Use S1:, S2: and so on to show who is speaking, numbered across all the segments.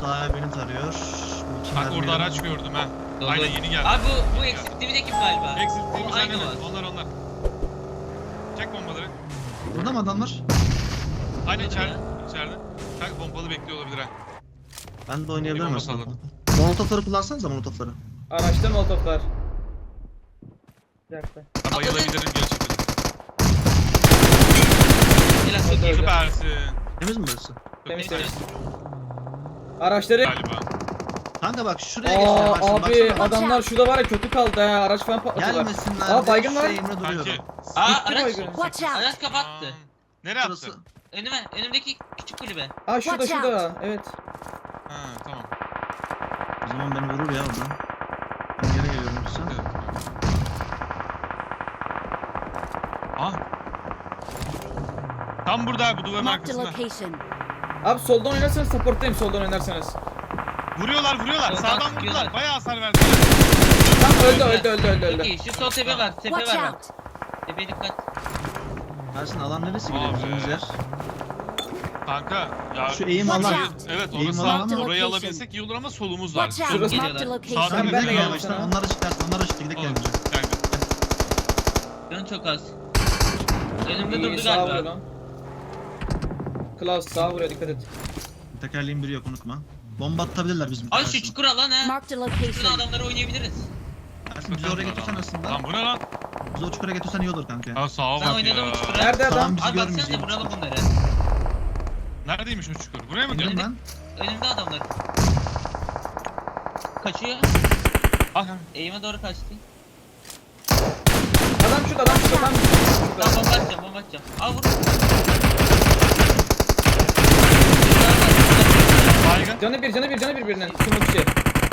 S1: Sağ beni tarıyor.
S2: Bak orada araç gördüm ha.
S3: Dolu.
S2: Aynen yeni geldi.
S3: Abi bu eksikliği de kim galiba?
S2: Eksilttiğimiz
S3: Aynı
S2: aynen.
S3: var.
S2: Onlar. Çek bombaları.
S1: Burada mı adamlar?
S2: Aynen
S3: Nerede
S2: içeride.
S3: ya?
S2: İçeride. Kanka pompalı bekliyor olabilir ha.
S1: Ben de oynayabilirim
S2: Bir
S1: aslında.
S2: bomba
S1: Molotofları kullansanıza molotofları.
S4: Araçta molotoflar. Bir dakika.
S2: Ha, bayılabilirim gerçekten.
S3: Helal çok iyi.
S4: Öyle.
S2: Süpersin.
S1: Temiz mi burası?
S4: Temiz
S3: Temiz.
S4: temiz. Araçları...
S2: Galiba.
S1: Kanka bak şuraya geçeceğim.
S4: Aa
S1: Ersin,
S4: abi
S1: baksana.
S4: adamlar şurada var ya kötü kaldı ha. Araç falan patladılar.
S1: Gelmesinler.
S4: Aa,
S1: diye
S4: baygın var.
S1: şu eğimle duruyorum.
S2: Kanki.
S3: Aa
S4: Gitti
S3: araç.
S4: baygın.
S5: Watch out!
S3: Araç kapattı.
S2: Nereye
S1: Burası.
S2: attı?
S3: Önümdeki küçük kulübe.
S4: Aa şurada
S5: Watch
S4: şurada. Evet.
S2: Ha tamam.
S1: O zaman beni vurur ya oradan. Ben geri geliyorum yoksa.
S2: Evet. Ah. Tam burada abi, bu duvarın
S5: Marked a
S2: arkasında.
S5: location.
S4: Abi soldan oynarsanız supporttayım soldan oynarsanız.
S2: Vuruyorlar.
S3: Soldan
S2: Sağdan
S3: sıkıyorlar.
S2: vurdular. Bayağı hasar verdiler.
S4: Tamam öldü.
S3: Çok iyi. Şu sol tepe var. Tepe
S5: Watch
S3: var.
S5: out!
S3: Tepeye dikkat.
S1: Ersin alan neresi
S2: Abi.
S1: gidiyoruz yer?
S2: Kanka ya
S1: Şu eğim
S5: Watch
S1: alan.
S5: out.
S2: evet
S1: Eğim
S2: orası
S1: alan
S2: sağ,
S5: ama-
S2: orayı alabilsek iyi olur ama solumuz var.
S5: Watch out!
S4: Şurası-
S5: Marked a
S2: Sağdan
S5: location.
S4: Ben de
S2: bir
S4: geldim
S2: yavaştan.
S4: sana.
S1: Onlar ışıklar. Onlar ışık gidelim
S2: Olur.
S1: gelmeyeceğim.
S2: Kanka.
S3: Canı çok az. Önümde
S4: İyi,
S3: durdu
S4: sağa vuruyor
S3: galiba.
S4: lan. Klaus sağa vuruyor dikkat et.
S1: Tekerleğin biri yok unutma. Bomba atabilirler bizim.
S3: Ay şu
S1: Ersin.
S3: çukur alan ha.
S5: Marked a
S3: Şurada
S5: location.
S3: adamları oynayabiliriz.
S1: Ersin bizi oraya götürsen aslında.
S2: Lan bu ne lan?
S1: Bizi o çukura götürsen iyi olur kanka.
S2: Ha sağa
S3: Ben
S2: bak
S3: oynadım
S2: ya.
S3: bu çukura.
S4: Nerede adam?
S1: Tamam bizi
S3: Abi
S1: görmeyecek.
S3: baksanıza vuralım bunları.
S2: Neredeymiş o çukur? Buraya mı
S1: Bilmiyorum
S2: diyorsun?
S1: ben.
S3: Önümde adamlar. Kaçıyor.
S2: Ah kanka.
S3: Eğime doğru kaçtı.
S4: Adam şurada tam.
S3: Tamam
S4: Şurada.
S3: bomba atacağım. Al vur.
S2: Baygın.
S4: Canı bir birinin. Smokeçi.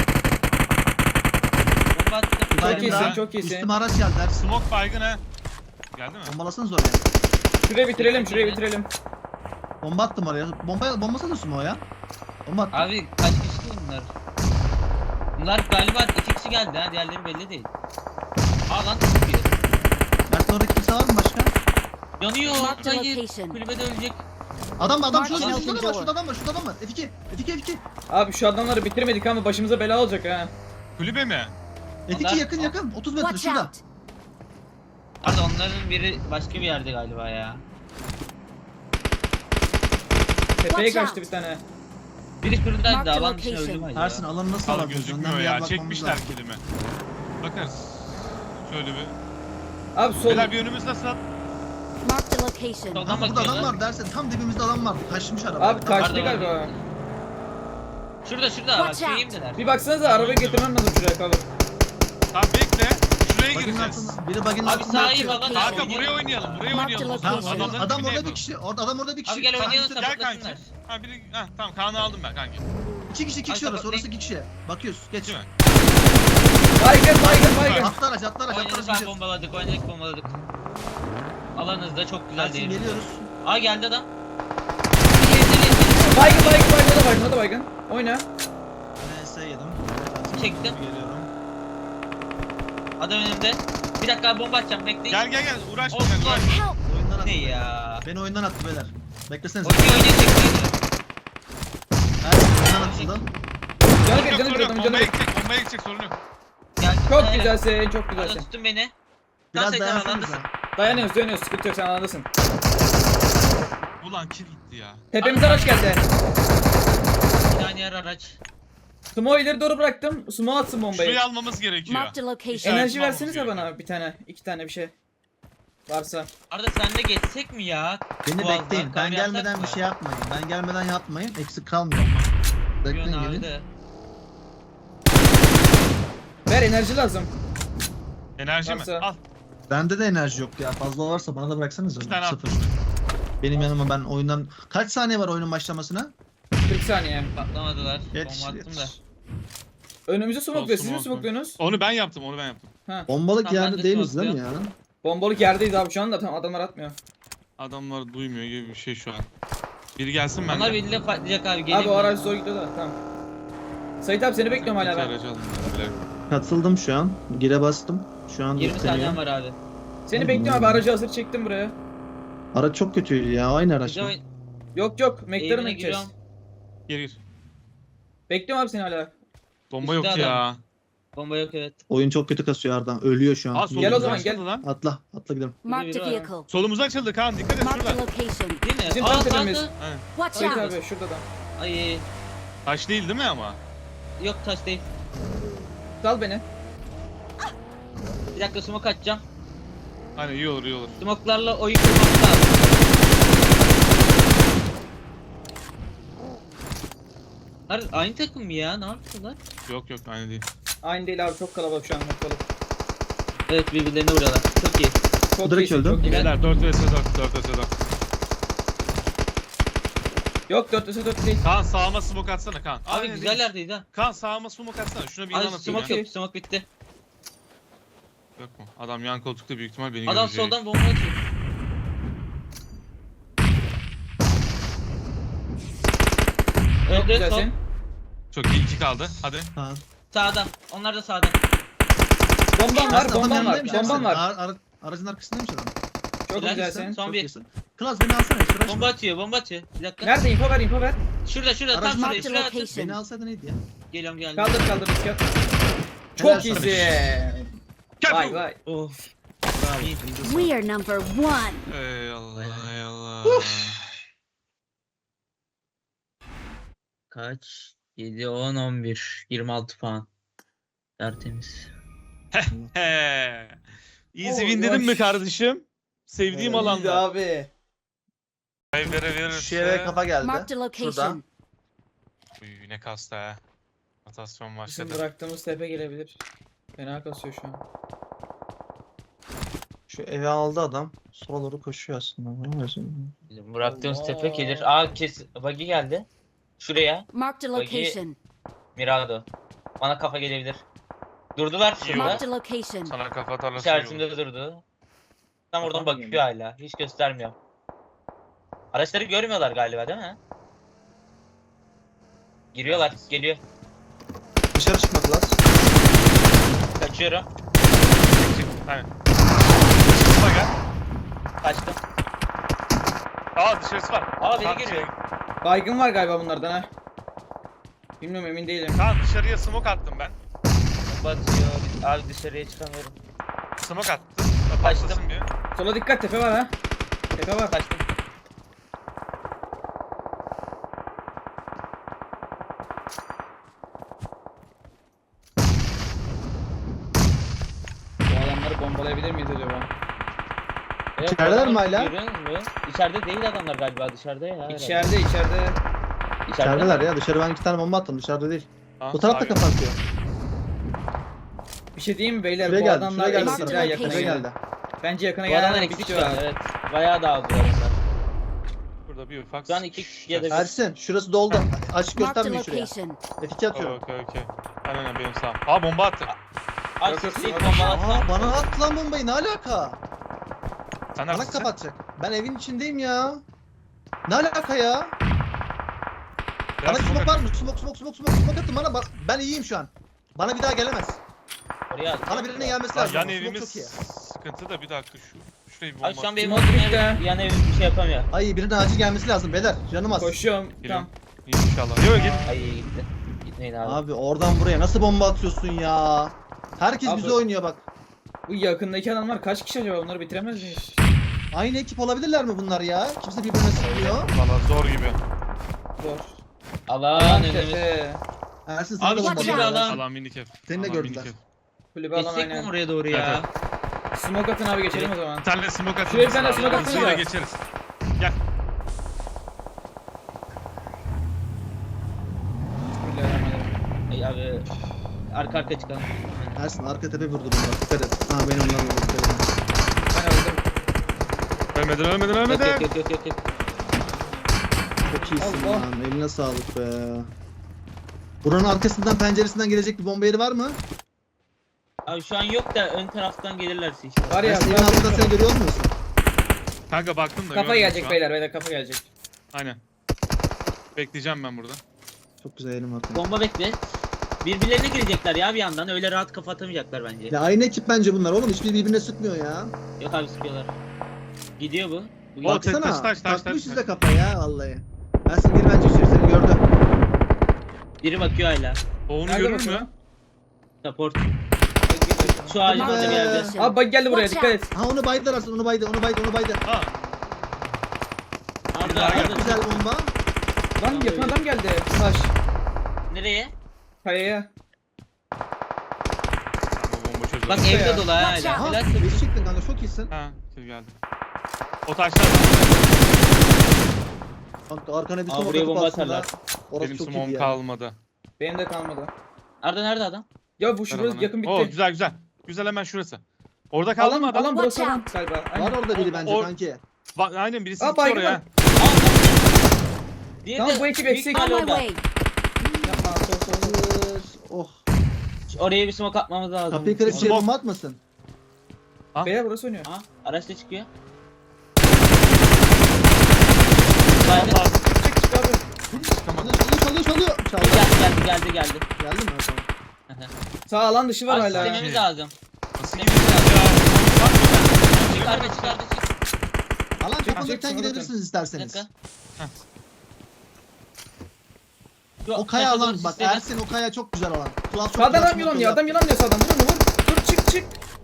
S3: Bomba attım.
S4: Çok
S1: Baygın
S4: iyisin
S1: daha.
S4: çok iyisin.
S1: Üstüme araç geldi Ersin.
S2: Smoke baygın ha. Geldi mi?
S1: Bombalasanız oraya.
S4: Şurayı bitirelim.
S1: Bomba attım oraya. Bombası da sumo o ya. Bomba attım.
S3: Abi kaç kişi bunlar? Bunlar galiba 2 kişi geldi ha. Diğerleri belli değil. Aa lan çıkıyor.
S1: Ersin orada kimse var mı başka?
S3: Yanıyor.
S5: Marked a
S3: Hayır.
S5: location.
S3: Kulübede ölecek.
S1: Adam
S5: Mark
S1: şurada
S5: in
S1: var,
S5: open
S1: şurada var,
S5: door.
S1: şurada adam var. F2.
S4: Abi şu adamları bitirmedik ama başımıza bela olacak ha.
S2: Kulübe mi?
S1: F2
S3: Onlar-
S1: yakın. 30 metre
S5: Watch
S1: şurada.
S5: out!
S3: Pardon onların biri başka bir yerde galiba ya.
S4: Tepeye
S5: Watch
S4: kaçtı
S5: out.
S4: bir tane.
S3: Biri şuradaydı
S5: Marked
S3: da
S5: a
S3: alan dışına
S5: location.
S3: öldü mü acaba?
S1: Ersin alanı nasıl
S2: Al
S1: alabiliyoruz? Önden
S2: gözükmüyor
S1: bir yer
S2: ya.
S1: bakmamız
S2: Çekmişler
S1: lazım.
S2: kilimi. Bakarız. Şöyle bir.
S4: Abi sol.
S2: Beyler bir önümüz nasıl?
S5: Marked a location.
S3: Soldan
S1: Lan burada adam
S3: bakıyorlar.
S1: var dersin. Tam dibimizde adam var. Kaçmış araba.
S4: Abi kaçtı
S3: Pardon.
S4: galiba.
S3: Şurada bak
S5: Watch out.
S3: şeyimdeler.
S4: Bir baksanıza arabayı getirmem lazım şuraya kalır.
S2: Tamam bekle. Şuraya
S1: Baginin
S2: gireceğiz.
S1: altında. Biri baginin
S3: Abi
S1: altında
S3: sağa iyi
S1: yatıyor.
S3: falan.
S2: Kanka buraya oynayalım. Buraya
S5: Marked
S2: oynayalım.
S5: location.
S1: Tamam,
S2: Adamların
S1: adam
S2: dibine
S1: orada bir
S2: yapalım.
S1: kişi. Adam orada bir kişi.
S3: Abi gel oynayalım.
S2: Gel kanki.
S3: Sapıklasınlar.
S2: Ha biri tamam Kaan'ı aldım ben kanki.
S1: İki kişi
S3: Ay,
S1: orası.
S3: tamam,
S1: Orası iki kişi. Bakıyoruz. Geç.
S2: Değil mi?
S4: Baygın.
S1: Atla araç
S3: Oynadık abi
S1: gidiyoruz.
S3: bombaladık. Alanınızda çok güzel
S1: Ersin
S3: değil.
S1: geliyoruz.
S3: Aa geldi adam.
S4: Baygın o da baygın. Oyna.
S1: NS yedim.
S3: Çektim.
S1: Geliyorum.
S3: Adam önümde. Bir dakika abi bomba atacağım bekleyin.
S2: Gel uğraşma
S3: Olsun.
S2: gel uğraşma.
S5: Help!
S1: Oyundan attı.
S3: Ne ya?
S1: Beni oyundan attı beyler. Beklesenize.
S3: Oynuyor
S1: Ersin oyundan atıldı.
S4: Canı
S2: Sorun
S4: bir
S2: yok,
S4: adamın
S2: bombaya
S4: canı bir.
S2: gidecek sorun yok.
S3: Gel.
S4: Çok
S3: Aynen.
S4: güzelsin çok
S3: Arada
S4: güzelsin.
S3: tutun beni.
S1: Biraz
S3: Sen
S1: dayansanıza.
S3: alandasın.
S4: Dayanıyoruz sıkıntı yok sen alandasın.
S2: Ulan kill gitti ya.
S4: Tepemize araç geldi.
S3: Bir tane yer araç.
S4: Sumo ileri doğru bıraktım. Sumo atsın bombayı.
S2: Şurayı almamız gerekiyor.
S5: Marked a location.
S2: İşaret-
S4: Enerji
S2: Tamam,
S4: versenize
S2: gerekiyor.
S4: bana bir tane, iki tane bir şey. Varsa.
S3: Arada sen de geçsek mi ya?
S1: Beni
S3: Boğazdan
S1: bekleyin. Ben
S3: kavga yapsak
S1: gelmeden
S3: mı?
S1: bir şey yapmayın. Ben gelmeden yapmayın. Eksik kalmıyor. Bekleyin
S3: Yön abi
S1: gelin.
S3: de.
S4: Ver enerji lazım.
S2: Enerji mi?
S4: Varsa.
S2: Al.
S1: Bende de enerji yok ya. Fazla varsa bana da bıraksanız.
S2: Bir tane al.
S1: Sıfır. Benim yanıma ben oyundan... Kaç saniye var oyunun başlamasına?
S4: 40 saniye.
S3: Patlamadılar.
S1: Yetiş,
S3: Bomba attım da.
S1: yetiş.
S4: Önümüzü smokluyor. Siz mi
S2: Smoke.
S4: smokluyorsunuz?
S2: Onu ben yaptım.
S4: Ha.
S1: Bombalık
S3: Tamam, ben
S1: yerde
S3: de
S1: değiliz değil mi ya?
S3: smoke'luyorum.
S4: Bombalık yerdeyiz abi şu anda. Tamam adamlar atmıyor.
S2: Adamlar duymuyor gibi bir şey şu an. Biri gelsin ben
S3: Onlar
S2: de.
S3: belli patlayacak abi. Gelin.
S4: Abi o araç zor gidiyor da tamam. Sait abi seni bekliyorum hala
S2: İki
S4: ben.
S2: aracı alın beyler.
S1: Katıldım şu an. Gire bastım. Şu an
S3: 20
S1: yükleniyor.
S3: saniyem var abi.
S4: Seni bekliyorum abi aracı hazır çektim buraya.
S1: Araç çok kötüydü ya. Aynı araç
S3: Bize
S1: mı?
S3: oyn-
S4: Yok McLaren'a
S3: Evine
S4: gideceğiz.
S3: giriyorum.
S2: Gir gir.
S4: Bekliyorum abi seni hala.
S2: Bomba yok
S3: Üstte
S2: ya.
S3: Bomba yok evet.
S1: Oyun çok kötü kasıyor Arda. Ölüyor şu an.
S2: Aa
S4: Gel o
S2: solumuz
S4: zaman,
S2: açıldı
S4: gel.
S2: lan.
S1: Atla. Atla gidelim.
S5: Marked a
S3: biri var.
S5: vehicle.
S2: Solumuz açıldı Kaan dikkat et
S5: Marked a
S2: şurada.
S5: location.
S3: Değil mi?
S4: Bizim
S3: Aa
S4: tam tepemiz.
S3: sağda.
S2: Aynen.
S5: Watch
S4: Sait
S5: out.
S4: abi şurada da.
S3: Ay
S2: Taş değil mi ama?
S3: yok taş değil.
S4: Sal beni.
S3: Bir dakika smoke atacağım.
S2: Aynen iyi olur iyi olur.
S3: Smoke'larla oyun kurmamız lazım. Aynı takım mı ya? Ne yapıyorlar?
S2: Yok yok aynı değil.
S4: Aynı değil abi, çok kalabalık şu an ortalık.
S3: Evet birbirlerine vuruyorlar. Çok iyi.
S4: Çok
S1: direkt
S4: iyisin,
S1: öldü.
S4: çok iyi.
S2: Beyler 4 vs 4 4 vs 4.
S4: Yok 4 vs 4 değil.
S2: Kaan sağıma smoke atsana Kaan.
S3: Abi
S2: Aynen
S3: güzel
S2: değil.
S3: yerdeydi ha.
S2: Kaan sağıma smoke atsana. Şuna bir
S3: Ay
S2: ilan atayım
S3: smoke
S2: ya.
S3: yok. Smoke bitti.
S2: Yok mu? Adam yan koltukta büyük ihtimal beni
S3: Adam
S2: görecek.
S3: soldan bomba atıyor.
S4: Çok
S3: Öldü sol.
S4: güzelsin.
S2: Çok iyi 2 kaldı. Hadi.
S1: Kaan.
S3: Sağdan. Onlar da sağdan.
S4: Bombam var,
S1: Adam
S4: bombam var,
S1: yanındaymış
S4: bombam
S1: Ersin.
S4: var.
S1: Aracın arkasındaymış adam.
S4: Çok
S3: Güzel,
S4: güzelsin.
S3: son
S1: Çok
S3: bir.
S1: iyisin. Klas beni alsana. Hiç uğraşma.
S3: Bomba atıyor. Bomba atıyor. Bir dakika.
S4: Nerede? Info ver, info ver.
S3: Şurada şurada tam
S1: Aracın
S3: şurada.
S5: Marked a
S3: Şuraya atın.
S5: location.
S1: Beni alsaydın neydi ya?
S3: Geliyorum geldim.
S4: Kaldır kaldır risk at.
S1: Helal
S4: Çok
S1: sana.
S4: iyisin. Vay vay.
S3: Of.
S5: We are number one.
S2: Ey Allah ey Allah.
S3: Kaç? 7, 10, 11. 26 puan. Tertemiz.
S2: He. Easy
S4: Oh,
S2: win dedim mi
S4: yaş.
S2: kardeşim? Sevdiğim
S4: İyiydi
S2: alanda.
S4: abi.
S2: Evlere verirse.
S1: Şu eve kafa geldi.
S5: Marked a
S1: Şurada.
S5: location.
S2: Uy ne kastı ha. Atasyon
S4: Bizim
S2: başladı.
S4: bıraktığımız tepe gelebilir. Fena kasıyor şu an.
S1: Şu eve aldı adam. Sola doğru koşuyor aslında. Ne diyorsun?
S3: Bizim bıraktığımız
S4: Allah.
S3: tepe gelir. Aa kes. Buggy geldi. Şuraya.
S5: Marked a location.
S3: Mirado. Bana kafa gelebilir. Durdular şurada.
S5: Marked a location.
S2: Sana kafa tarlası iyi olur.
S3: İçerisinde durdu. Tam oradan
S4: Kapan
S3: bakıyor hala. Hiç göstermiyor. Araçları görmüyorlar galiba değil mi? Giriyorlar. Geliyor.
S1: Dışarı çıkmadılar.
S3: Kaçıyorum.
S2: Çık. Aynen. Çıkma gel.
S3: Kaçtım.
S2: Aa dışarısı var.
S3: Aa beni
S2: Kaan,
S3: görüyor.
S4: Baygın var galiba bunlardan ha. Bilmiyorum, emin değilim.
S2: Kaan dışarıya smoke attım ben.
S3: Batıyor. Abi dışarıya çıkamıyorum.
S2: Smoke attım.
S3: Kaçtım.
S2: Patlasın bir.
S4: Sola dikkat, tepe var ha. Tepe var.
S3: Kaçtım.
S4: Bu adamları bombalayabilir miyiz acaba?
S3: Evet,
S1: İçerideler
S3: adamlar
S1: mi hala?
S3: görüyor musun? İçeride değil adamlar galiba dışarıda ya. herhalde.
S4: İçeride.
S1: İçerideler ya. Dışarı ben 2 tane bomba attım. Dışarıda değil.
S2: Aa,
S1: Bu taraf da
S2: sağ gel.
S1: kapatıyor.
S4: Bir şey diyeyim mi beyler?
S1: Şuraya
S4: Bu
S1: geldi.
S4: adamlar
S1: Şuraya geldi.
S5: eksik
S4: eksik daha
S5: ya,
S4: yakına
S1: Şuraya
S5: location.
S4: geldi.
S1: geldi.
S4: Bence yakına
S3: Bu adamlar
S4: gelen
S3: eksik
S4: bitiyor
S3: şu an
S4: abi.
S3: evet. Bayağı dağıldılar onlar.
S2: Burada bir ufak.
S3: Şu an iki ya da bir-
S1: Ersin şurası doldu. Açık
S5: Marked a
S1: göstermeyin şuraya.
S5: location.
S1: F2 atıyorum.
S2: Okey. Aynen benim sağım. Aa bomba attı.
S3: Ay
S4: Yok, yok,
S3: sisli
S4: yok.
S3: bombalatma.
S1: Aa bana at lan bombayı. Ne alaka?
S2: Sen
S1: Bana
S2: neredesin?
S1: kapatacak. Ben evin içindeyim ya. Ne alaka ya?
S2: Biraz
S1: Bana
S2: smoke
S1: smoke var mı? Smoke atın bana. Ben iyiyim şu an. Bana bir daha gelemez.
S3: Oraya at.
S1: Bana birine gelmesi
S2: Lan
S1: lazım.
S2: yan
S1: Smoke
S2: evimiz
S1: çok iyi.
S2: sıkıntı da bir dakika şurayı bir bomba.
S3: Abi şu an benim
S4: Smoke
S3: olduğum
S4: bitti.
S3: ev, yan ev bir şey yapamıyor.
S1: Ay birine acil gelmesi lazım beyler. Canım az.
S4: Koşuyorum.
S2: Geliyorum.
S4: Tamam.
S2: İnşallah. Yok git.
S3: Ay gitti. Gitmeyin abi.
S1: Abi oradan buraya nasıl bomba atıyorsun ya? Herkes
S4: Abi.
S1: bize oynuyor bak.
S4: Bu yakındaki adamlar kaç kişi acaba? Bunları bitiremez miyiz?
S1: Aynı ekip olabilirler mi bunlar ya? Kimse birbirine sıkmıyor.
S2: Valla zor gibi.
S4: Zor.
S3: Alan
S4: Alan
S3: önümüz.
S4: tepe.
S1: Ersin sana
S3: Abi
S1: da
S3: şu
S1: bomba
S5: Watch
S3: kulübe
S5: out.
S1: atıyorlar.
S3: alan.
S2: Alan minik ev.
S1: Seni de
S2: Alan
S1: gördüler.
S2: minik ev.
S4: Kulübe alan
S3: Geçsek mi
S4: aynen.
S3: oraya doğru ya?
S2: Evet,
S4: Smoke atın abi, geçelim o zaman.
S2: Bir tane smoke atın.
S4: Şuraya bir tane smoke
S2: Hızlıca
S4: atsana.
S2: geçeriz. Gel.
S4: Bismillahirrahmanirrahim.
S3: Ay abi. Arka arka çıkalım.
S1: Ersin arka tepe vurdu bomba. Dikkat et. Ha benim lan vurdu. Dikkat et.
S4: Ben öldüm.
S2: Ölmedin.
S3: Yok.
S1: Çok iyisin
S4: Allah.
S1: lan. Eline sağlık be. Buranın arkasından penceresinden gelecek bir bomba yeri var mı?
S3: Abi şu an yok da ön taraftan gelirlerse işte.
S4: Var ya.
S1: Ersin evin altında seni görüyor musun?
S2: Kanka baktım da.
S4: Kafa
S2: görmedim şu
S4: gelecek
S2: an.
S4: beyler kafa gelecek.
S2: Aynen. Bekleyeceğim ben burada.
S1: Çok güzel elim var.
S3: Bomba bekle. Birbirlerine girecekler ya bir yandan. Öyle rahat kafa atamayacaklar bence.
S1: Ya aynı ekip bence bunlar oğlum. Hiçbir birbirine sıkmıyor ya.
S3: Yok abi sıkıyorlar. Gidiyor bu. Bu
S2: O
S1: Baksana.
S2: taş.
S1: Takmış size kafa ya vallahi. Ersin gir bence içeri. Seni gördü.
S3: Biri bakıyor hala.
S2: O onu
S4: Nerede
S2: görür
S4: bakıyor?
S2: mü?
S3: Support. Şu ağacın
S1: Hadi
S3: orada
S1: be.
S3: bir yerde.
S4: Abi bak geldi buraya,
S5: Watch
S4: dikkat et.
S1: Ha onu baydılar aslında, onu baydı.
S2: Ha.
S3: Arda
S2: daha
S1: Çok
S3: Arda.
S1: güzel bomba.
S4: Lan yakın adam geldi. Taş.
S3: Nereye?
S4: Kayaya.
S2: Tamam, o bomba çözdü.
S3: Bak
S4: ya.
S3: evde dolu ha
S5: Watch
S3: hala.
S5: out.
S3: Helal
S1: Ha,
S3: olsun.
S1: geç çıktın kanka, çok iyisin.
S2: Ha, kill geldi. O taşlar.
S1: Kanka arkana bir
S3: Aa,
S1: smoke
S3: buraya
S1: atıp
S3: bomba
S1: aslında.
S3: atarlar.
S1: Orası
S2: Benim
S1: çok
S2: smoke'um
S1: iyiydi ya.
S2: kalmadı.
S4: Benim de kalmadı.
S3: Arda nerede adam?
S4: Ya bu şurası
S2: Beraber.
S4: yakın bitti.
S2: Oo güzel güzel. Güzel, hemen şurası. Orada kaldı
S4: Alan,
S2: mı adam?
S4: alan burası
S5: Watch
S4: alan
S5: out.
S4: galiba.
S1: Var
S4: Aynen.
S1: orada biri bence
S2: O-
S1: kanki.
S2: Aynen birisi
S4: Aa,
S2: gitti
S4: baygın
S2: oraya.
S4: var.
S3: Diğeri
S4: Tamam,
S3: de
S4: bu ekip
S3: büyük
S4: eksik.
S3: ihtimal
S5: On my
S3: orada.
S5: way.
S4: Yapma, sol.
S1: Oh.
S3: Oraya bir smoke atmamız lazım.
S1: Kapıyı kırıp
S2: Smoke.
S1: şey bomba atmasın.
S4: Beyler burası oynuyor.
S3: Ha, araçta çıkıyor. Geldi.
S2: Allah.
S4: Çık çık abi.
S2: Çıkamadı.
S1: Çalıyor. Çaldı.
S3: Geldi.
S1: Geldi mi? Tamam.
S4: Sağ alan dışı var
S3: Abi
S4: hala.
S3: sistemimiz lazım.
S2: Nasıl
S3: Sistemimiz
S2: gidiyor
S3: lazım.
S2: ya?
S3: Çık Arda çık.
S1: Alan
S4: Çık,
S1: çapındayken
S4: çık,
S1: gidebilirsiniz
S3: Bir
S1: isterseniz.
S3: dakika.
S2: Heh.
S3: Şu
S1: O kaya
S3: taşa doğru
S1: alan bak,
S3: sistemi-
S1: Ersin o kaya çok güzel alan. Kulağı çok
S4: Sağdan
S1: güzel
S4: adam
S1: smoke
S4: yılanıyor.
S1: yaptı.
S4: Adam yılanıyor sağdan. Vur onu vur. Dur çık.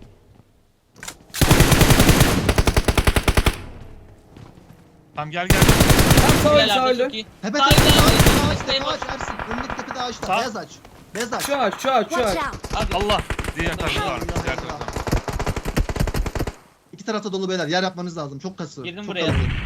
S2: Tamam gel.
S4: Tam sağ öldü
S3: Gel
S4: sağ
S3: Arda,
S4: öldü.
S3: çok iyi.
S1: Tepe
S3: Sağ
S1: tepe
S3: ileride,
S1: ağaç,
S3: desteğe
S1: tepe
S3: bak.
S1: ağaç Ersin. Önündeki tepede ağaçta.
S2: Sağ.
S1: Beyaz ağaç. Beyaz ağaç.
S4: Şu ağaç.
S5: Watch out.
S3: Abi
S2: Allah. Diğer tarafta
S1: Allah
S2: var. Diğer
S1: Allah.
S2: tarafta.
S1: İki tarafta dolu beyler. Yer yapmanız lazım. Çok kası.
S3: Girdim
S1: çok
S3: buraya.
S1: kalabalık.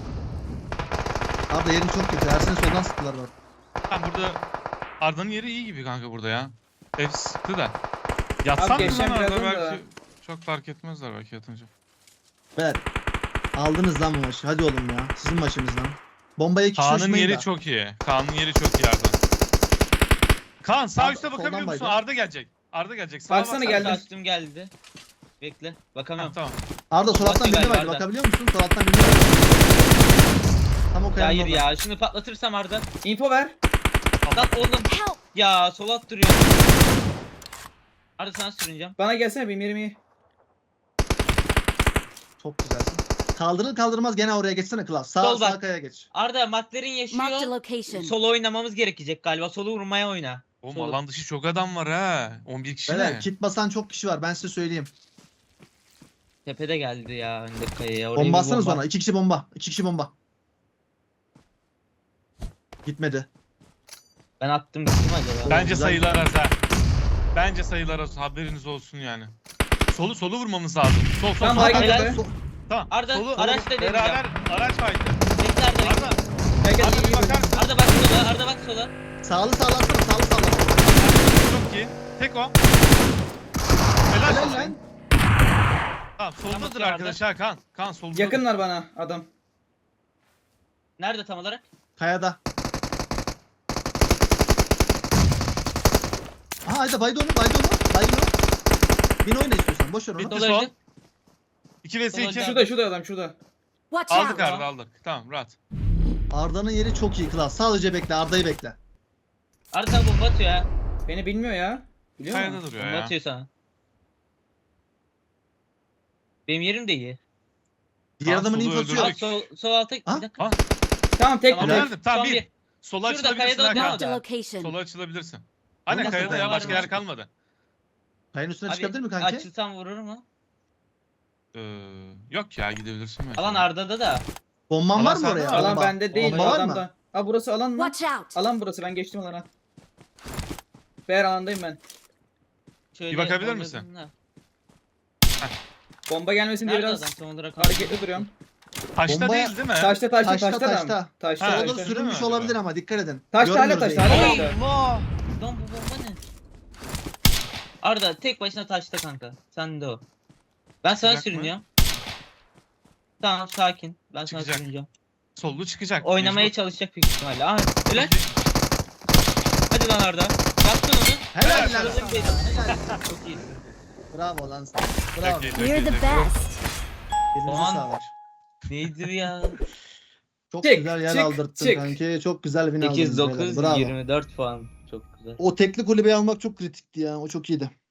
S1: Abi yerin çok kötü. Ersin'in soldan sıktılar bak.
S2: Tamam burada Arda'nın yeri iyi gibi kanka burada ya. Hep sıktı da. Yatsan mı
S4: geçen
S2: lan Arda
S4: birazdan
S2: belki
S4: da.
S2: çok fark etmezler belki yatınca.
S1: Beyler. Aldınız lan bu maçı. Hadi oğlum ya. Sizin maçınız lan. Bombaya kişi
S2: Kaan'ın
S1: düşmeyin
S2: yeri
S1: da.
S2: çok iyi. Kaan'ın yeri çok iyi Arda. Kaan sağ
S1: Arda,
S2: üstte
S1: soldan
S2: bakabiliyor musun?
S1: baydı.
S2: Arda gelecek. Arda gelecek. Sağa
S4: Baksana,
S2: baksana.
S4: geldi.
S3: Kastım geldi. Bekle.
S2: Ha,
S3: Bakamıyorum.
S2: tamam.
S1: Arda sol alttan
S3: Bakıyor
S1: birini
S3: galiba
S1: vardı.
S3: Arda.
S1: Bakabiliyor musun? Sol alttan birini vardı. Tam o
S3: Ya
S1: kayanın
S3: hayır
S1: orada.
S3: ya. Şunu patlatırsam Arda.
S4: Info ver.
S3: Lan oğlum.
S5: Help.
S3: Ya sol at duruyor. Arda sana sürüneceğim.
S4: Bana gelsene benim yerim iyi.
S1: Çok güzelsin. Kaldırır kaldırmaz gene oraya geçsene Klas. Sağ
S3: Sol bak.
S1: sağ kaya geç.
S3: Arda McLaren
S5: Marked a
S3: yaşıyor.
S5: location.
S3: Solo oynamamız gerekecek galiba. Solo vurmaya oyna.
S2: Oğlum
S3: Sol.
S2: alan dışı çok adam var ha. 11 kişi
S1: Beyler
S2: ne?
S1: kit basan çok kişi var. Ben size söyleyeyim.
S3: Tepede geldi ya öndeki kayaya. Oraya bir
S1: Bomba atsanız
S3: bomba.
S1: ona. 2 kişi bomba. 2 kişi bomba. Gitmedi.
S3: Ben attım gittim acaba.
S2: Bence
S1: güzel.
S2: sayılar az ha. Bence sayılar az. Haberiniz olsun yani. Solu vurmamız lazım. Sol.
S4: Tamam,
S2: Sağ.
S4: baygın.
S3: Helal.
S4: be.
S2: Tamam.
S3: Arda,
S2: Solu.
S3: araçla deneyeceğim.
S2: Beraber araç vardı.
S3: Bekle Arda. bekle.
S2: Arda.
S4: Gel gel.
S2: Arda bir bakar mısın?
S3: Arda bak sola. Arda bak sola.
S1: Sağlı sağlansana. Sağlı sağlan.
S2: Çok iyi. Tek o. Helal
S1: Helal
S2: olsun.
S1: lan.
S2: Tamam soldadır
S3: bakıyor
S2: arkadaş ha Kaan. Kaan soldadır.
S4: Yakınlar bana adam.
S3: Nerede tam olarak?
S1: Kayada. Aha hayda baydı onu. Baydı onu. Baydı onu. Bin oyna istiyorsan. Boş ver onu.
S2: Bitti
S3: Sola
S2: son.
S3: öldü.
S2: 2 vs 2.
S3: Solda.
S4: Şurada adam şurada.
S5: Watch
S2: Aldık
S5: out.
S2: Arda aldık. Tamam rahat.
S1: Arda'nın yeri çok iyi Klas. Sadece bekle. Arda'yı bekle.
S3: Arda sana bomba atıyor ha.
S4: Beni bilmiyor ya. Biliyor
S2: Kayada
S4: musun?
S2: duruyor
S3: Bomba
S2: ya.
S3: atıyor sana. Benim yerim de iyi.
S1: Diğer
S2: Aa,
S1: adamın
S2: solu
S1: infosu
S2: öldürdük.
S1: yok.
S3: Sol alta
S1: Ha?
S3: bir dakika.
S2: Ha?
S4: Tamam tek
S3: Tamam,
S4: tek.
S2: Nerede? Tamam
S3: Son
S2: bir. Sola
S3: Şurada
S2: açılabilirsin
S3: kayada
S2: ha
S5: Marked a
S2: Kaan.
S5: location.
S2: Sola açılabilirsin. Aynen
S1: nasıl
S2: kayada ya
S1: dayanır?
S2: başka yer kalmadı.
S1: Kayanın üstüne
S3: Abi,
S1: çıkabilir mi kanki?
S3: açılsam vurur mu?
S2: Yok ya gidebilirsin belki.
S3: Alan Arda'da da.
S1: Bomban
S2: Alan
S1: var mı
S2: sende
S1: oraya?
S2: mi?
S4: Alan
S1: Bomba.
S4: bende değil.
S1: Bomba var mı?
S4: Adamda. Ha burası alan mı?
S5: Watch out.
S4: Alan burası, ben geçtim alana. Beyler alandayım ben.
S3: Şöyle
S2: Bir bakabilir
S3: oynadın
S2: misin?
S3: da.
S4: Bomba gelmesin diye
S3: Nerede
S4: biraz
S3: adam tam olarak?
S4: hareketli duruyorum.
S2: Taşta
S1: Bombaya-
S2: değil değil mi?
S4: Taşta
S1: Taşta,
S4: adam.
S1: taşta.
S4: Taşta.
S2: Ha,
S1: O da
S2: işte.
S1: sürünmüş
S2: Değil mi
S1: olabilir
S2: acaba?
S1: ama dikkat edin.
S4: Taşta hala
S1: Görmüyoruz
S4: taşta
S1: yani.
S4: hala
S3: Ay,
S4: taşta.
S3: Lan bu bomba ne? Arda tek başına taşta kanka. Sen de o. Ben sana
S2: Çıkacak mı?
S3: sürünüyorum. Tamam sakin. Ben sana
S2: Çıkacak.
S3: sürüneceğim.
S2: Sollu çıkacak.
S3: Oynamaya
S2: Mecbur.
S3: çalışacak büyük ihtimalle. Aha öyle. Hadi lan Arda. Yaptın onu.
S1: Helal
S2: Helal
S1: lan
S3: olsun.
S1: sana. Helal.
S3: Çok iyi.
S1: Bravo lan sana. Bravo.
S2: Çok iyi, çok
S5: You're
S2: iyi,
S5: the
S2: çok iyi.
S5: best.
S1: Elinize
S3: Puan.
S1: sağlık.
S3: Neydi ya?
S1: Çok
S4: Çık,
S1: güzel yer
S4: çık,
S1: aldırttın
S4: çık.
S1: kanki. Çok güzel win aldınız.
S3: 8 9
S1: beyler. Bravo.
S3: 24 puan. Çok güzel.
S1: O tekli kulübeyi almak çok kritikti ya. O çok iyiydi.